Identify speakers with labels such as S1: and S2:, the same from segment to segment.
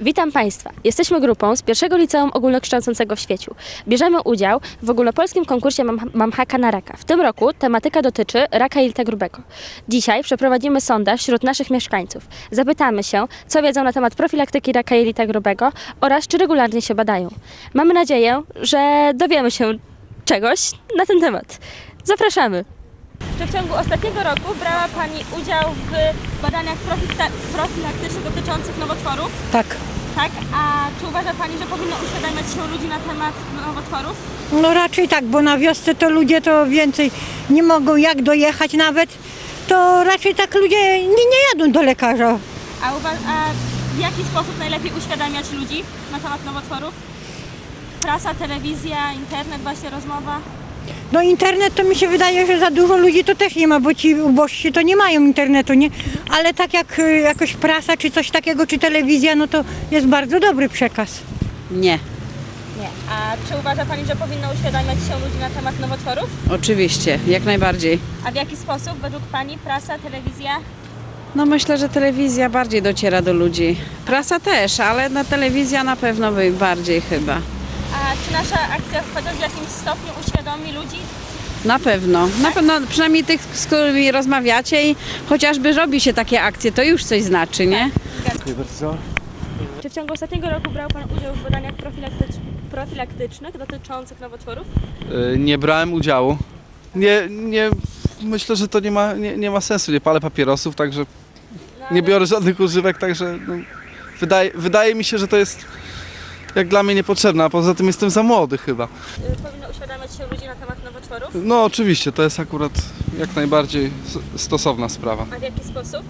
S1: Witam Państwa. Jesteśmy grupą z pierwszego liceum ogólnokształcącego w Świeciu. Bierzemy udział w ogólnopolskim konkursie Mam haka na raka. W tym roku tematyka dotyczy raka jelita grubego. Dzisiaj przeprowadzimy sondaż wśród naszych mieszkańców. Zapytamy się, co wiedzą na temat profilaktyki raka jelita grubego oraz czy regularnie się badają. Mamy nadzieję, że dowiemy się czegoś na ten temat. Zapraszamy! Czy w ciągu ostatniego roku brała Pani udział w badaniach profilaktycznych dotyczących nowotworów?
S2: Tak.
S1: Tak, a czy uważa Pani, że powinno uświadamiać się ludzi na temat nowotworów?
S2: No raczej tak, bo na wiosce to ludzie to więcej nie mogą jak dojechać nawet, to raczej tak ludzie nie jadą do lekarza.
S1: A w jaki sposób najlepiej uświadamiać ludzi na temat nowotworów? Prasa, telewizja, internet, właśnie rozmowa?
S2: No internet to mi się wydaje, że za dużo ludzi to też nie ma, bo ci ubożsi to nie mają internetu, nie? Ale tak jak jakoś prasa czy coś takiego, czy telewizja, no to jest bardzo dobry przekaz.
S3: Nie,
S1: Nie. A czy uważa Pani, że powinno uświadamiać się ludzi na temat nowotworów?
S3: oczywiście, jak najbardziej.
S1: A w jaki sposób według Pani prasa, telewizja?
S3: No myślę, że telewizja bardziej dociera do ludzi. Prasa też, ale telewizja na pewno bardziej chyba.
S1: A czy nasza akcja chociaż w jakimś stopniu uświadomi ludzi?
S3: Na pewno, przynajmniej tych, z którymi rozmawiacie i chociażby robi się takie akcje, to już coś znaczy, nie?
S4: Dziękuję bardzo.
S1: Czy w ciągu ostatniego roku brał Pan udział w badaniach profilaktycznych dotyczących nowotworów?
S4: Nie brałem udziału. Myślę, że to nie ma sensu. Nie palę papierosów, także nie biorę żadnych używek, także wydaje mi się, że to jest jak dla mnie niepotrzebne, a poza tym jestem za młody chyba.
S1: Powinno uświadamiać się ludzi na temat nowotworów?
S4: No oczywiście, to jest akurat jak najbardziej stosowna sprawa.
S1: A w jaki sposób?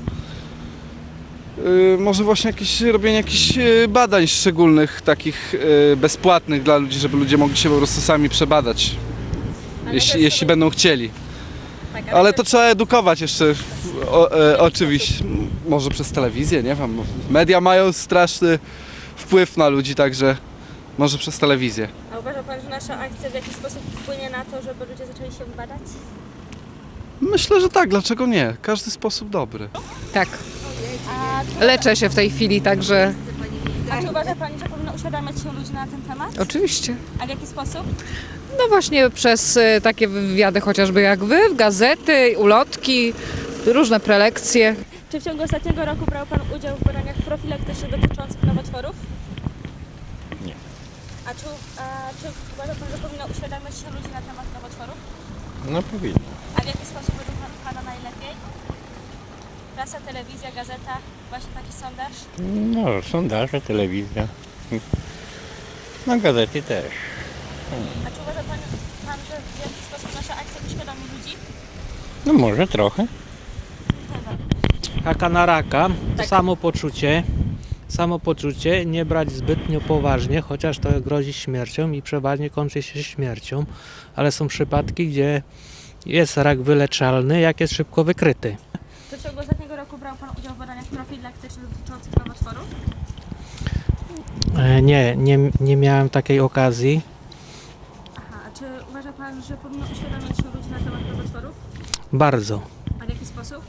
S4: Może właśnie robienie jakichś badań szczególnych, takich bezpłatnych dla ludzi, żeby ludzie mogli się po prostu sami przebadać, jeśli będą chcieli.
S1: Tak,
S4: Ale to trzeba edukować jeszcze, oczywiście, może przez telewizję, nie wiem. Media mają straszny wpływ na ludzi, także może przez telewizję.
S1: A uważa Pan, że nasza akcja w jakiś sposób wpłynie na to, żeby ludzie zaczęli się badać?
S4: Myślę, że tak, dlaczego nie? Każdy sposób dobry.
S5: Tak,
S1: A
S5: leczę się w tej chwili, także
S1: czy uważa Pani, że powinno uświadamiać się ludzi na ten temat?
S5: oczywiście.
S1: A w jaki sposób?
S5: No właśnie przez takie wywiady chociażby jak wy, gazety, ulotki, różne prelekcje.
S1: Czy w ciągu ostatniego roku brał Pan udział w badaniach profilaktycznych dotyczących nowotworów?
S4: Nie.
S1: A czy uważa Pan, że powinno uświadamiać się ludzi na temat nowotworów?
S6: No powinno.
S1: A w jaki sposób według Pana najlepiej? Prasa, telewizja, gazeta, właśnie taki sondaż?
S6: No, sondaże, telewizja. No gazety też.
S1: A czy uważa Pan, że w jaki sposób nasza akcja uświadomi ludzi?
S6: No może trochę.
S7: Haka na raka,
S1: Tak.
S7: samopoczucie, nie brać zbytnio poważnie, chociaż to grozi śmiercią i przeważnie kończy się śmiercią, ale są przypadki, gdzie jest rak wyleczalny, jak jest szybko wykryty.
S1: Czy w ciągu ostatniego roku brał Pan udział w badaniach profilaktycznych dotyczących nowotworów?
S7: Nie miałem takiej okazji.
S1: Aha, a czy uważa Pan, że powinno uświadamiać się ludzi na temat nowotworów?
S7: Bardzo.
S1: A w jaki sposób?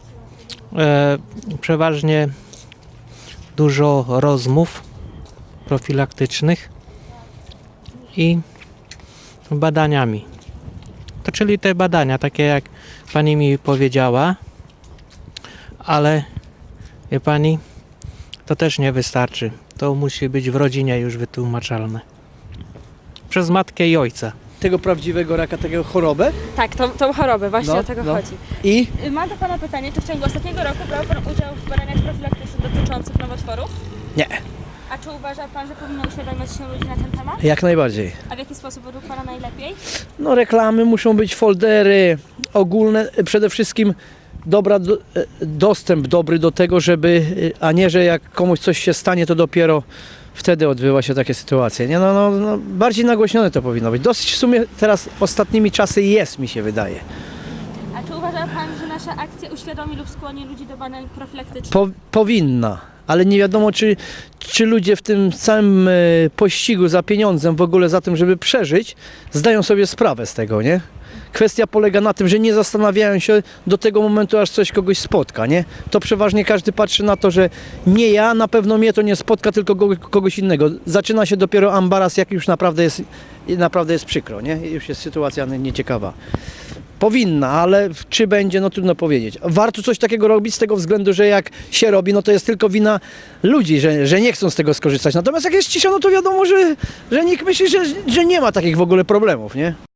S7: Przeważnie dużo rozmów profilaktycznych i badaniami. To czyli te badania, takie jak pani mi powiedziała, ale wie pani, to też nie wystarczy. To musi być w rodzinie już wytłumaczalne. Przez matkę i ojca.
S8: Tego prawdziwego raka, taką chorobę.
S1: Tak, tą chorobę, właśnie
S8: No,
S1: o tego
S8: no.
S1: chodzi.
S8: I
S1: Mam do Pana pytanie, czy w ciągu ostatniego roku brał Pan udział w badaniach profilaktycznych dotyczących nowotworów?
S8: nie,
S1: A czy uważa Pan, że powinno uświadamiać się ludzi na ten temat?
S8: jak najbardziej.
S1: A w jaki sposób według Pana najlepiej?
S8: No reklamy muszą być, foldery ogólne, przede wszystkim dostęp dobry do tego, żeby, a nie, że jak komuś coś się stanie, to dopiero wtedy odbywa się takie sytuacje. Nie, no, bardziej nagłośnione to powinno być. Dosyć w sumie teraz ostatnimi czasy jest, mi się wydaje.
S1: A czy uważa Pan, że nasza akcja uświadomi lub skłoni ludzi do badań profilaktycznych?
S8: Powinna, ale nie wiadomo, czy ludzie w tym całym pościgu za pieniądzem, w ogóle za tym, żeby przeżyć, zdają sobie sprawę z tego, nie? Kwestia polega na tym, że nie zastanawiają się do tego momentu, aż coś kogoś spotka, nie? To przeważnie każdy patrzy na to, że nie ja, na pewno mnie to nie spotka, tylko kogoś innego. Zaczyna się dopiero ambaras, jak już naprawdę jest przykro, nie? Już jest sytuacja nieciekawa. Powinna, ale czy będzie, no trudno powiedzieć. Warto coś takiego robić z tego względu, że jak się robi, no to jest tylko wina ludzi, że nie chcą z tego skorzystać. Natomiast jak jest cisza, no to wiadomo, że nikt myśli, że nie ma takich w ogóle problemów, nie?